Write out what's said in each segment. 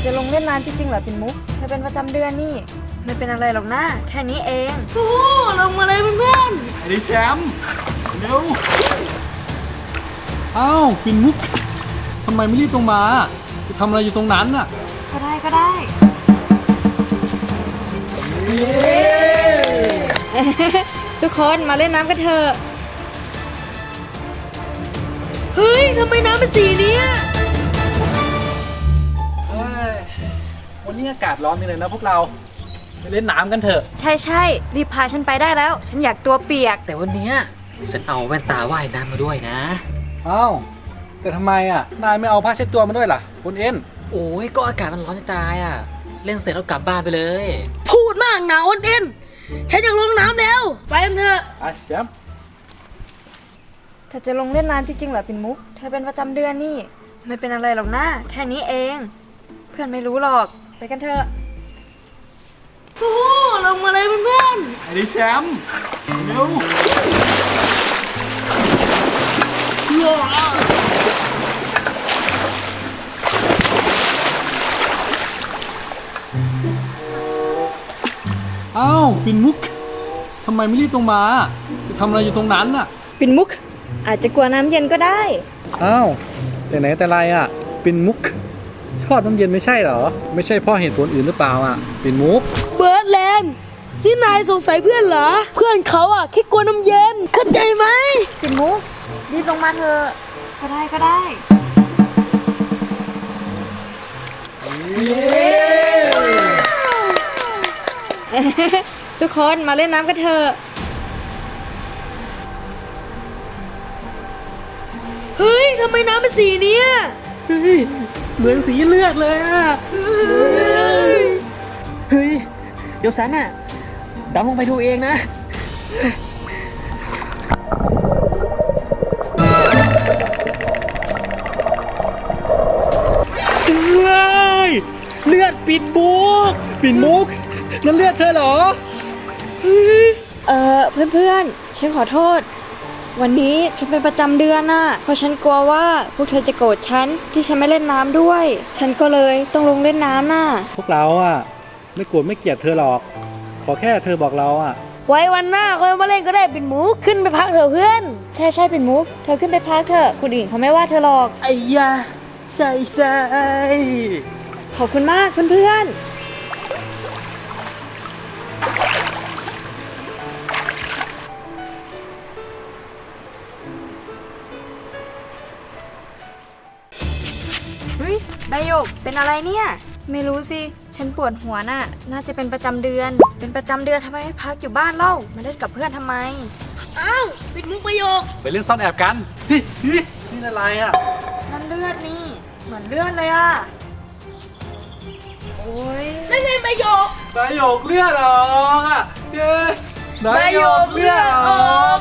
จะลงเล่นน้ำจริงๆเหรอปิ่นมุกเธอเป็นประจำเดือนนี่ไม่เป็นอะไรหรอกนะแค่นี้เองโอ้ลงมาเลยเพื่อนไอ้แชมป์เร็วอ้าวปิ่นมุกทำไมไม่รีบลงมาจะทำอะไรอยู่ตรงนั้นน่ะก็ได้ทุกคนมาเล่นน้ำกันเถอะเฮ้ยทำไมน้ำเป็นสีนี้วันนี้อากาศร้อนนี่เลยนะพวกเราไปเล่นน้ำกันเถอะใช่รีบพาฉันไปได้แล้วฉันอยากตัวเปียกแต่วันนี้ฉันเอาแว่นตาว่ายน้ำมาด้วยนะอ้าวแต่ทำไมนายไม่เอาผ้าเช็ดตัวมาด้วยล่ะคุณเอ็นโอ้ยก็อากาศมันร้อนจะตายเล่นเสร็จแล้วกลับบ้านไปเลยพูดมากหนาวอ้นเอ็นฉันอยากลงน้ำแล้วไปกันเถอะไอ้แชมป์เธอจะลงเล่นน้ำจริงๆเหรอปิ่นมุกเธอเป็นประจำเดือนนี่ไม่เป็นอะไรหรอกนะแค่นี้เองเพื่อนไม่รู้หรอกไปกันเถอะโอ้ลงมาเลยเพื่อนไอ้แชมป์เร็วอ้าวปิ่นมุกทำไมไม่รีบลงมาจะทำอะไรอยู่ตรงนั้นน่ะปิ่นมุกอาจจะกลัวน้ำเย็นก็ได้อ้าวแต่ไหนแต่ไรปิ่นมุกชอบน้ำเย็นไม่ใช่เหรอไม่ใช่เพราะเหตุผลอื่นหรือเปล่าปิ่นมุกเบิร์ดแลนด์นี่นายสงสัยเพื่อนเหรอเพื่อนเขาแค่กลัวน้ำเย็นเข้าใจไหมปิ่นมุกรีบลงมาเถอะก็ได้ทุกคนมาเล่นน้ำกันเถอะเฮ้ยทำไมน้ำเป็นสีนี้เฮ้ยเหมือนสีเลือดเลยเฮ้ยเดี๋ยวฉันดำลงไปดูเองนะเลือดปิ่นมุกนั่นเลือดเธอเหรอเพื่อนฉันขอโทษวันนี้ฉันเป็นประจำเดือนเพราะฉันกลัวว่าพวกเธอจะโกรธฉันที่ฉันไม่เล่นน้ำด้วยฉันก็เลยต้องลงเล่นน้ำพวกเราไม่โกรธไม่เกลียดเธอหรอกขอแค่เธอบอกเราไว้วันหน้าค่อยมาเล่นก็ได้ปิ่นมุกขึ้นไปพักเถอะเพื่อนใช่ปิ่นมุกเธอขึ้นไปพักเถอะคนอื่นเขาไม่ว่าเธอหรอกไอ้ยาใส่ขอบคุณมากเพื่อนเฮ้ยใบหยกเป็นอะไรเนี่ยไม่รู้สิฉันปวดหัวน่าจะเป็นประจำเดือนทำไมไม่พักอยู่บ้านเล่ามาเล่นกับเพื่อนทำไมอ้าวปิ่นมุกประโยคไปเล่นซ่อนแอบกันนี่อะไรนั่นเลือดนี่เหมือนเลือดเลยโอ้ยนั่นไงประโยคเลือดออกเย้ประโยคเลือดออก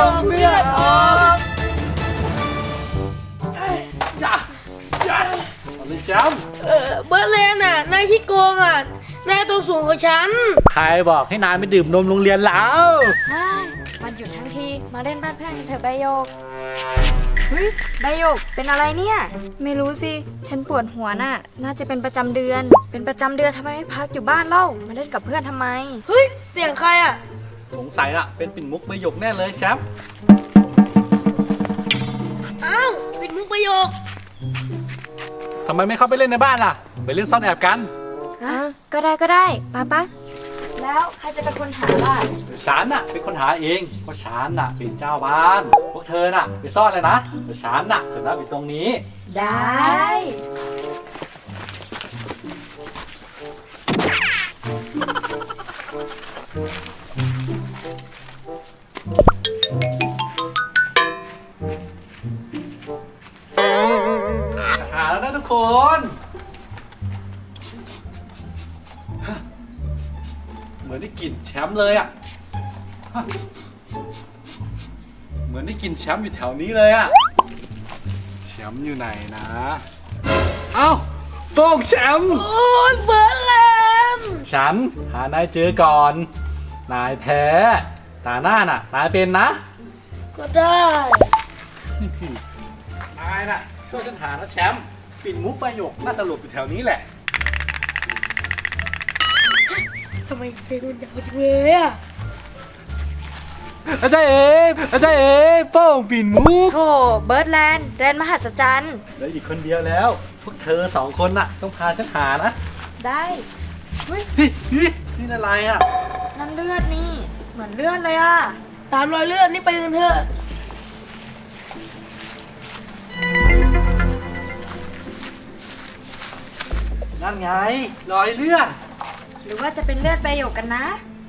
อย่าไม่แชมป์เบิร์ดแลนด์นายขี้โกงนายตัวสูงกว่าฉันใครบอกให้นายไม่ดื่มนมโรงเรียนแล้ววันหยุดทั้งทีมาเล่นบ้านเพื่อนกันเถอะใบหยกเฮ้ยใบหยกเป็นอะไรเนี่ยไม่รู้สิฉันปวดหัวน่าจะเป็นประจำเดือนทำไมไม่พักอยู่บ้านเล่ามาเล่นกับเพื่อนทำไมเฮ้ยเสียงใครสงสัยเป็นปิ่นมุกประโยคแน่เลยแชมป์อ้าวปิ่นมุกประโยคทำไมไม่เข้าไปเล่นในบ้านล่ะไปเล่นซ่อนแอบกันก็ได้ป๊าแล้วใครจะเป็นคนหาล่ะฉันเป็นคนหาเองเพราะฉันเป็นเจ้าบ้านพวกเธอไปซ่อนเลยนะเดี๋ยวฉันจะนั่งอยู่ตรงนี้ได้หาแล้วนะทุกคนเหมือนได้กลิ่นแชมป์เลยเหมือนได้กลิ่นแชมป์อยู่แถวนี้เลยแชมป์อยู่ไหนนะเอ้าโป้งแชมป์โอ้ยเบิร์ดแลนด์ฉันหานายเจอก่อนนายแพ้ตาหน้านายเป็นนะก็ได้นายช่วยฉันหานะแชมป์ปิ่นมุกประโยคน่าจะหลบอยู่แถวนี้แหละทำไมเพลงมันยาวจังเลยอ่ะอาจารย์โป้งปิ่นมุกโธ่เบิร์ดแลนด์แดนมหัศจรรย์แล้วอีกคนเดียวแล้ว พวกเธอ2 คนน่ะ ต้องพาฉันหานะได้เฮ้ยนี่อะไรอ่ะนั่นเลือดนี่ เหมือนเลือดเลยอ่ะตามรอยเลือดนี่ไปกันเถอะนั่นไงรอยเลือดหรือว่าจะเป็นเลือดใบหยกกันนะ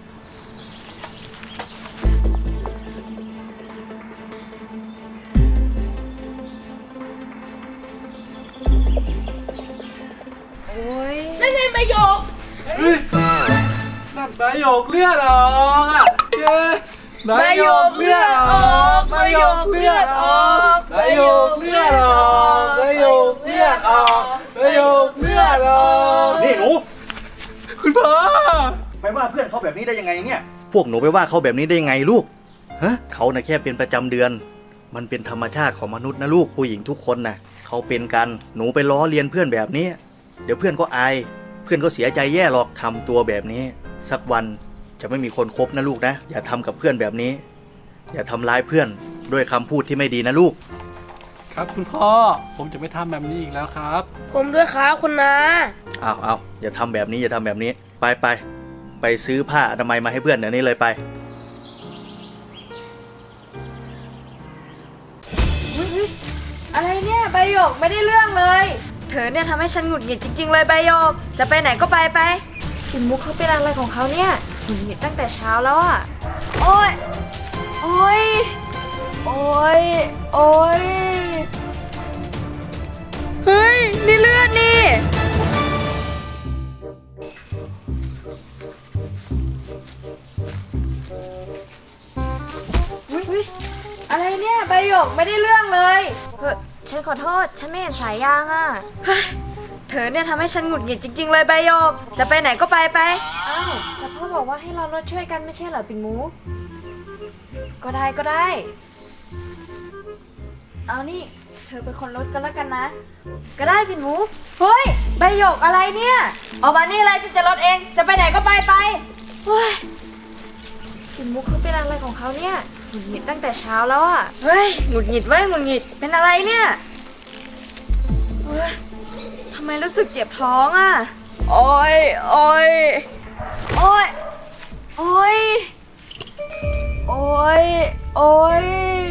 โอ้ยนั่นไงใบหยกนั่นใบหยกเลือดออกอ่ะเย้ใบหยกเลือดออกใบหยกเลือดออกใบหยกเลือดออกใบหยกเลือดออกใบหยกเลือดออกนี่หนูคุณพ่อไปว่าเพื่อนเขาแบบนี้ได้ยังไงเนี่ย พวกหนูไปว่าเขาแบบนี้ได้ยังไงลูก ฮะ เขาน่ะแค่เป็นประจำเดือน มันเป็นธรรมชาติของมนุษย์นะลูก ผู้หญิงทุกคนน่ะ เขาเป็นกัน หนูไปล้อเลียนเพื่อนแบบนี้ เดี๋ยวเพื่อนก็อาย เพื่อนก็เสียใจแย่หรอกทำตัวแบบนี้ สักวันจะไม่มีคนคบนะลูกนะ อย่าทำกับเพื่อนแบบนี้ อย่าทำร้ายเพื่อนด้วยคำพูดที่ไม่ดีนะลูกครับคุณพ่อ ผมจะไม่ทำแบบนี้อีกแล้วครับผมด้วยครับคุณนาเอาอย่าทำแบบนี้อย่าทำแบบนี้ ไปซื้อผ้าอนามัยมาให้เพื่อนเดี๋ยวนี้เลยไปอุ๊ยอะไรเนี่ยใบหยกไม่ได้เรื่องเลย เธอเนี่ยทำให้ฉันหงุดหงิดจริง ๆ เลยใบหยก จะไปไหนก็ไปปิ่นมุกเขาเป็นอะไรของเขาเนี่ยหงุดหงิดตั้งแต่เช้าแล้วอ่ะ โอ๊ย โอ๊ย โอ๊ย โอ๊ย เฮ้ย นี่เลือดนี่ อุ๊ยอะไรเนี่ยใบหยกไม่ได้เรื่องเลยฉันขอโทษ ฉันไม่เห็นสายยางอ่ะเฮ้ยเธอเนี่ยทำให้ฉันหงุดหงิดจริง ๆ เลยใบหยก จะไปไหนก็ไปอ้าวแต่พ่อบอกว่าให้เรารถช่วยกันไม่ใช่เหรอปิ่นมุกก็ได้ เอานี่ เธอเป็นคนรถก็แล้วกันนะ ก็ได้ปิ่นมุกเฮ้ยใบหยกอะไรเนี่ยออกมานี่เลยฉันจะรถเอง จะไปไหนก็ไปเฮ้ย ปิ่นมุกเขาเป็นอะไรของเขาเนี่ยหงุดหงิดตั้งแต่เช้าแล้วอ่ะ เฮ้ยหงุดหงิดเป็นอะไรเนี่ยเฮ้ยทำไมรู้สึกเจ็บท้องอ่ะ โอ๊ยโอ๊ยโอ๊ยโอ๊ยโอ๊ยโอ๊ย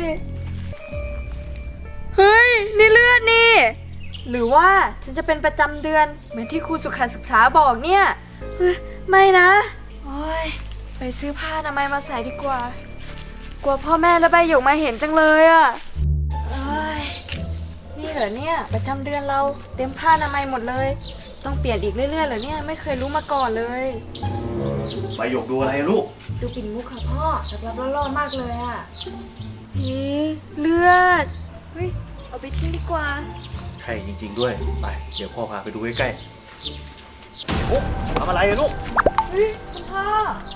เฮ้ยนี่เลือดนี่ หรือว่าฉันจะเป็นประจำเดือนเหมือนที่ครูสุขศึกษาบอกเนี่ยเฮ้ยไม่นะโอ๊ยไปซื้อผ้าอนามัยมาใส่ดีกว่า กลัวพ่อแม่และใบหยกมาเห็นจังเลยอ่ะเอ้ยนี่เหรอเนี่ยประจำเดือนเราเต็มผ้าอนามัยหมดเลย ต้องเปลี่ยนอีกเรื่อยๆเหรอเนี่ยไม่เคยรู้มาก่อนเลยไปหยกดูอะไรลูกดูปิ่นมุกค่ะพ่อรับล่อๆมากเลยอ่ะเลือดเฮ้ยเอาไปทิ้งดีกว่าใช่จริงๆด้วย ไป เดี๋ยวพ่อพาไปดูใกล้ๆโอ้ทำอะไรอะลูกเฮ้ยคุณพ่อ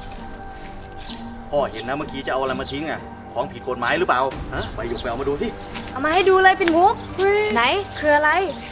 พ่อเห็นนะเมื่อกี้จะเอาอะไรมาทิ้งอะของผิดกฎหมายหรือเปล่า ฮะ ไปหยกไปเอามาดูสิเอามาให้ดูเลยปิ่นมุกไหนคืออะไร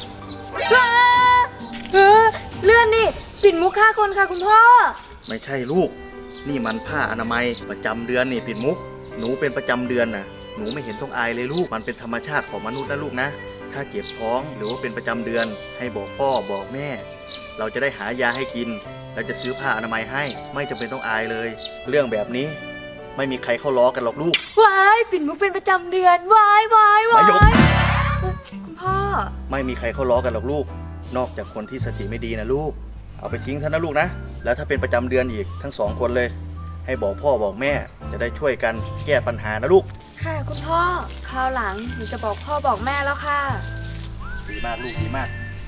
เลือดนี่ปิ่นมุกฆ่าคนค่ะคุณพ่อไม่ใช่ลูก นี่มันผ้าอนามัยประจำเดือนนี่ปิ่นมุก หนูเป็นประจำเดือนน่ะ หนูไม่เห็นต้องอายเลยลูก มันเป็นธรรมชาติของมนุษย์นะลูกนะ ถ้าเจ็บท้องหรือว่าเป็นประจำเดือน ให้บอกพ่อบอกแม่ เราจะได้หายาให้กิน และจะซื้อผ้าอนามัยให้ ไม่จำเป็นต้องอายเลย เรื่องแบบนี้ไม่มีใครเข้าล้อกันหรอกลูกวายปิ่นมุกเป็นประจำเดือนวายมายกคุณพ่อไม่มีใครเข้าล้อกันหรอกลูก นอกจากคนที่สติไม่ดีนะลูก เอาไปทิ้งซะนะลูกนะ แล้วถ้าเป็นประจำเดือนอีกทั้ง2 คนเลย ให้บอกพ่อบอกแม่ จะได้ช่วยกันแก้ปัญหานะลูกค่ะคุณพ่อคราวหลังหนูจะบอกพ่อบอกแม่แล้วค่ะดีมากลูกดีมาก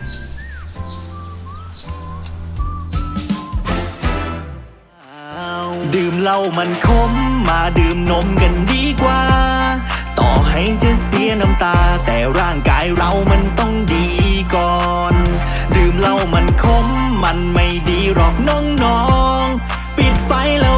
ดื่มเหล้ามันขมมาดื่มนมกันดีกว่า ต่อให้จะเสียน้ำตา แต่ร่างกายเรามันต้องดีก่อน ดื่มเหล้ามันขมมันไม่ดีหรอกน้องๆปิดไฟแล้ว